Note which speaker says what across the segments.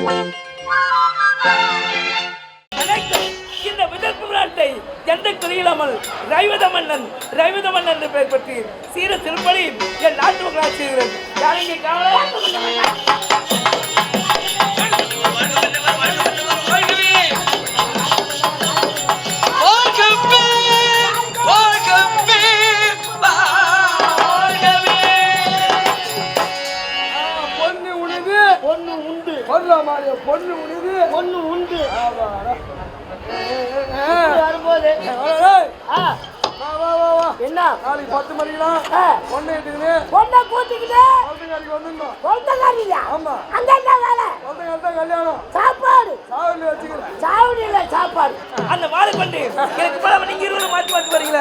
Speaker 1: இந்த விதர்ப்பு நாட்டை எந்த குறியில்லாமல் ரைவத மன்னன் என்று பெயர் பற்றி சீர திருப்பலி என் நாட்டு மக்களால் செய்கிறேன். யாரிங்கே
Speaker 2: பொண்ணு உண்டு வரும்போது என்ன
Speaker 3: நாளைக்கு 10 மணிக்கெல்லாம் பொண்ணை எடுத்துக்கிட்டு
Speaker 2: பொண்ணை கூட்டிக்கிட்டு
Speaker 3: வந்துடணும்.
Speaker 2: ஆமா அங்க என்ன வேலை?
Speaker 3: கல்யாணம்
Speaker 2: சாப்பாடு
Speaker 3: சாவடி வச்சுக்கிறேன்.
Speaker 2: சாவடி இல்ல சாப்பாடு.
Speaker 1: அந்த மாலை கொண்டு எனக்கு பல நீங்க இருவரும் மாத்தி மாத்தி வரீங்களே.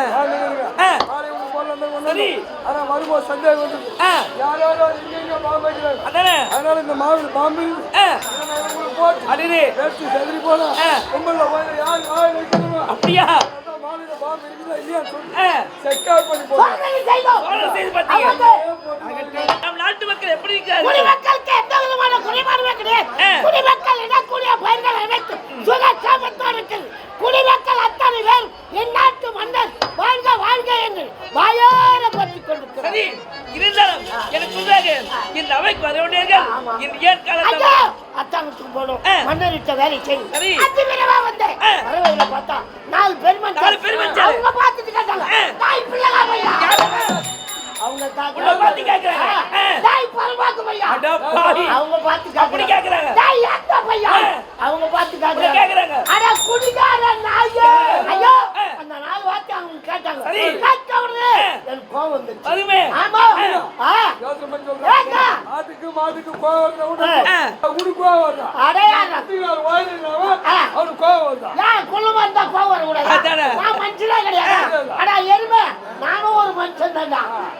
Speaker 3: சரி ஆனா வரும்போது சந்தேகம் வந்து யாரோ இங்க பாம்பு வைக்கிறாங்க.
Speaker 1: அதானே
Speaker 3: அதனால இந்த மாவு பாம்பு போட்டு
Speaker 1: அடிரே
Speaker 3: பேசி செதறி போனா கும்பல்ல போய் யார் வாய் வைக்கணுமா?
Speaker 1: அப்படியா?
Speaker 3: மாலையில பாம்பு இருக்குதா இல்லையா சொல்லி செக் அவுட் பண்ணி
Speaker 1: பாத்தீங்க. நம் நாட்டு மக்கள் எப்படி இருக்காங்க?
Speaker 2: குடிமக்களுக்கு எந்த விதமான குறைபாடுமே கிடையாது. குடிமக்கள் இடக்கூடிய பயிர்கள் அனைத்து சுகசாமத்தோடு இருக்கிறது. குடிமக்கள் அத்தனை பேர் என் நாட்டு மன்னர் வாழ்க வாழ்க என்று வாயார பற்றிக் கொண்டிருக்கிறார்.
Speaker 1: சரி இருந்தாலும் எனக்கு சொல்றாங்க இந்த அவைக்கு வரவேண்டியர்கள் இந்த ஏற்காலத்துல
Speaker 2: அத்தானுக்கு போனோம் மன்னரிட்ட வேலை செய்யும்.
Speaker 1: சரி
Speaker 2: அதிவிரவா வந்தேன் வரவையில பார்த்தா 4 பெருமன் அவங்க பார்த்துட்டு கேட்டாங்க தாய் பிள்ளைகா பையா அவங்க
Speaker 1: பார்த்து கேக்குறாங்க
Speaker 2: தாய் பரமாக்கு பையா
Speaker 1: அட பாவி
Speaker 2: அவங்க பார்த்து
Speaker 1: அப்படி கேக்குறாங்க
Speaker 2: தாய் அத்த பையா அவங்க பார்த்து கேக்குறாங்க அட குடிகார நாயே ஐயோ அந்த 4 வார்த்தை அவங்க கேட்டாங்க கேட்ட உடனே எனக்கு கோவம் வந்துச்சு.
Speaker 1: அதுமே
Speaker 2: ஆமா
Speaker 3: யோசனை பண்ணி சொல்றேன். மாதுக்கு கோவம் வருதா கோவம் வருதா
Speaker 2: அடையாளம்
Speaker 3: அத்தியார் வாயினாவ அவனுக்கு கோவம் வருதா
Speaker 2: ஏன் குள்ளமா இருந்தா கோவம் வரக்கூடாது? நான் மனுஷனே கிடையாது. அடா எருமை நானும் ஒரு மனுஷன் தான்டா.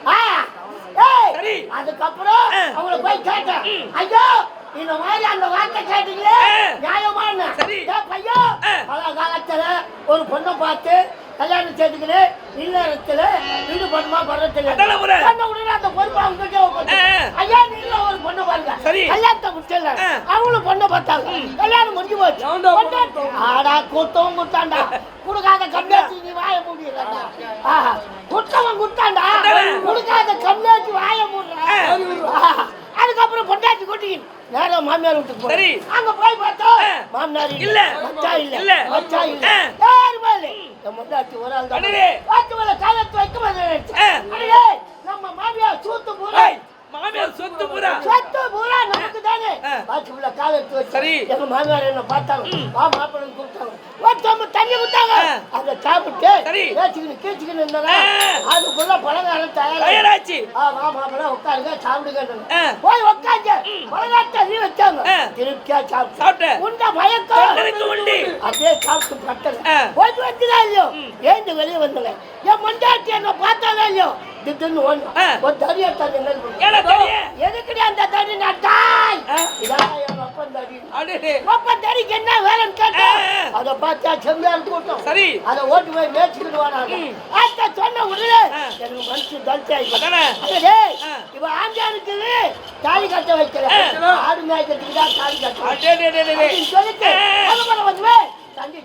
Speaker 2: அதுக்கப்புறம் அவங்களை போய் கேட்டேன் ஐயோ இந்த மாதிரி அந்த வார்த்தை கேட்டீங்களே நியாயமான பையோ பல காலத்துல ஒரு பொண்ணை பார்த்து கல்யாணம் செய்துக்கிறேன் இல்லறத்துல வீடு பண்ணுமா பண்றதுல உடனே அந்த பொறுப்பு அவங்க ஐயா நீங்க ஒரு பொண்ணை பாருங்க கல்யாணத்தை முடிச்சல அவங்களும் பொண்ணை பார்த்தாங்க கல்யாணம் முடிஞ்சு போச்சு. ஆடா கூட்டவும் குத்தாண்டா குடுக்காத கம்மியாச்சு நீ வாய மூடிடுறா. குட்டவன் குத்தாண்டா குடுக்காத கம்மியாச்சு வாய மூடுற. அதுக்கப்புறம் பொண்டாட்டி கூட்டிக்கிட்டு நேரா மாமியார் வீட்டுக்கு போய் அங்க போய் பார்த்தா மாமனார் இல்ல மச்சா இல்ல யாருமே இல்ல. பொண்டாட்டி ஒரு ஆள் தான் வாத்து மேல காலத்து வைக்க மாட்டேன். நம்ம மாமியார் சொத்து பூரா நமக்கு தானே வாத்து மேல காலத்து வச்சு எங்க மாமியார் என்ன பார்த்தாங்க மாப்பிள்ளை கூப்பிட்டாங்க ஒருத்தவங்க தண்ணி கொடுத்தாங்க அதை சாப்பிட்டு கீச்சுக்கின்னு இருந்தாங்க. அதுக்குள்ள பலகாரம் தயாராச்சு. மாப்பிள்ளை உட்காருங்க சாப்பிடுங்க போய் உட்காந்து பலகாரத்தை நீ வச்சாங்க திருப்தியா சாப்பிட்டு உண்ட மயக்கம் அப்படியே சாப்பிட்டு பட்டங்க போய் வச்சுதான் இல்லையோ ஏந்து வெளியே வந்தங்க. என் மண்டாட்டி என்ன பார்த்தாலே இல்லையோ திடீர்னு ஒரு தடியை தண்ணி எதுக்குடி அந்த தண்ணி நட்டாய் ஒப்பன் தடிக்கு என்ன வேலைன்னு கேட்டேன். அதை பார்த்தா செம்மையால் கூட்டம் அதை ஓட்டு போய் மேய்ச்சிக்கிட்டு வராங்க. சொன்ன உடனே எனக்கு மனசு தலிச்சு ஆயிடுச்சு. இவ ஆண்டானுக்கு தாலி கட்ட வைக்கல ஆடு மேய்க்கிறதுக்கு தான் தாலி கட்ட சொல்லிட்டு வந்து தண்ணி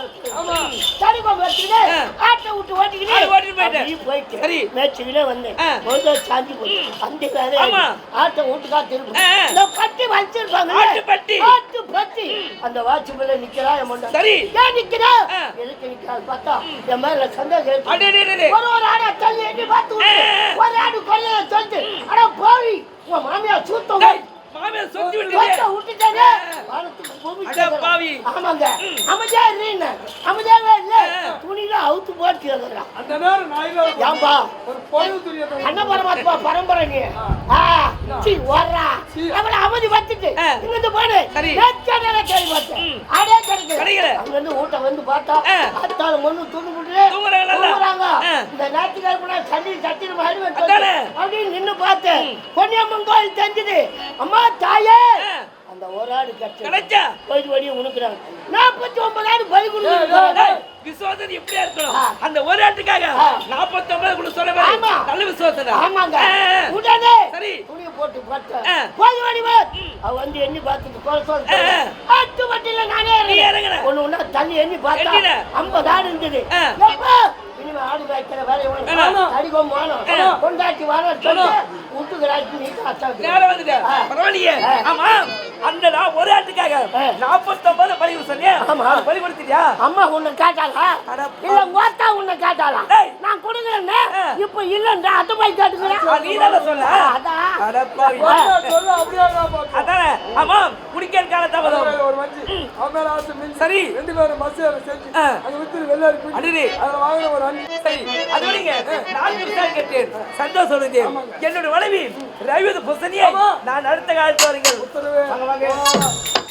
Speaker 2: ஆட்டை விட்டு ஓட்டிக்கிட்டு மேய்ச்சிக்கிட்டே வந்தேன். சாஞ்சி போய் அந்த வேலை ஆட்டை வீட்டுக்கா திரும்ப பட்டி வச்சிருப்பாங்க ஆட்டு பட்டி அந்த வாட்சி மேல நிக்கிறா ஏன் நிக்கிறா எதுக்கு நிக்கிறாள் பார்த்தா என் மேல சந்தேகம் ஒரு ஆடை தள்ளி எண்ணி பார்த்து ஒரு ஆடு கொல்ல சொல்லிட்டு ஆனா போய் உன் மாமியார் சூத்தம்
Speaker 1: மாமியார் சொத்தி விட்டுட்டானே பாவி. ஆமாங்க
Speaker 2: அமைதியா இருங்க அமைதியாவே இல்ல துணில அவுத்து போட்டு
Speaker 3: அந்த நேரம் நாயில
Speaker 2: ஏம்பா
Speaker 3: ஒரு பொழுது துணிய
Speaker 2: அண்ணா பரமாத்மா பரம்பரை நீ சி வரா அவள அமைதி வச்சிட்டு இங்க போடு நேச்சரல கேள்வி பார்த்தேன் ஆடே கிடைக்கல அங்க இருந்து ஊட்ட வந்து பார்த்தா அத்தால மண்ணு துணி முடி தூங்குறாங்க. இந்த நாட்டுக்காரங்க சண்டி சட்டின மாதிரி வந்து அப்படி நின்னு பார்த்தேன் பொன்னியம்மன் கோயில் தெரிஞ்சது. அம்மா தாயே அந்த ஒரு ஆடு கிடைச்சா போயிட்டு வடிய உனக்குறாங்க 49 ஆடு பலி கொடுக்குறாங்க.
Speaker 1: விசுவாசம் எப்படியா இருக்கணும்? அந்த ஒரு ஆட்டுக்காக 49 கூட சொல்ல நல்ல விசுவாசம்.
Speaker 2: ஆமாங்க உடனே
Speaker 1: சரி
Speaker 2: துணியை போட்டு பார்த்தேன் போய் ஓடிவர் அவ வந்து எண்ணி பார்த்துட்டு கொலை சொல்லிட்டு அட்டு வட்டில நானே இறங்கினேன் ஒண்ணு ஒண்ணா தள்ளி எண்ணி பார்த்தா 50 ஆடு இருந்தது இனிமே ஆடு வைக்கிற வேலையை அடிக்கும் வானம் கொண்டாட்டி வானம் சொல்லி விட்டுக்கிறாச்சு நீ
Speaker 1: நேரம் வந்துட்டேன் பரவாயில்லையே ஆமா அந்த நான் ஒரு ஆட்டுக்காக 49 பலி சொன்னேன் பலி கொடுத்தியா
Speaker 2: அம்மா உன்னை கேட்டாளா இல்ல ஓத்தா உன்னை கேட்டாளா நான் கொடுக்குறேன் இப்ப இல்லன்றா அத போய் கேட்டுக்கிறேன்
Speaker 1: நீ தான சொல்ல
Speaker 3: சொல்ல அப்படியே
Speaker 1: அதானே ஆமா குடிக்கிற காலத்தாவதோ
Speaker 3: ஒரு வஞ்சி அவன் ஆசை மின்
Speaker 1: சரி
Speaker 3: ரெண்டு பேரும் பஸ் செஞ்சு அங்க வித்து வெள்ளாரி போய்
Speaker 1: அடிடி
Speaker 3: அத வாங்குற ஒரு அஞ்சு
Speaker 1: சரி அது விடுங்க நான் விசாரி கேட்டேன் சந்தோஷம் சொல்லுங்க என்னோட மனைவி ரவித புசனியை நான் அடுத்த காலத்து வரீங்க
Speaker 3: உத்தரவு
Speaker 1: வாங்க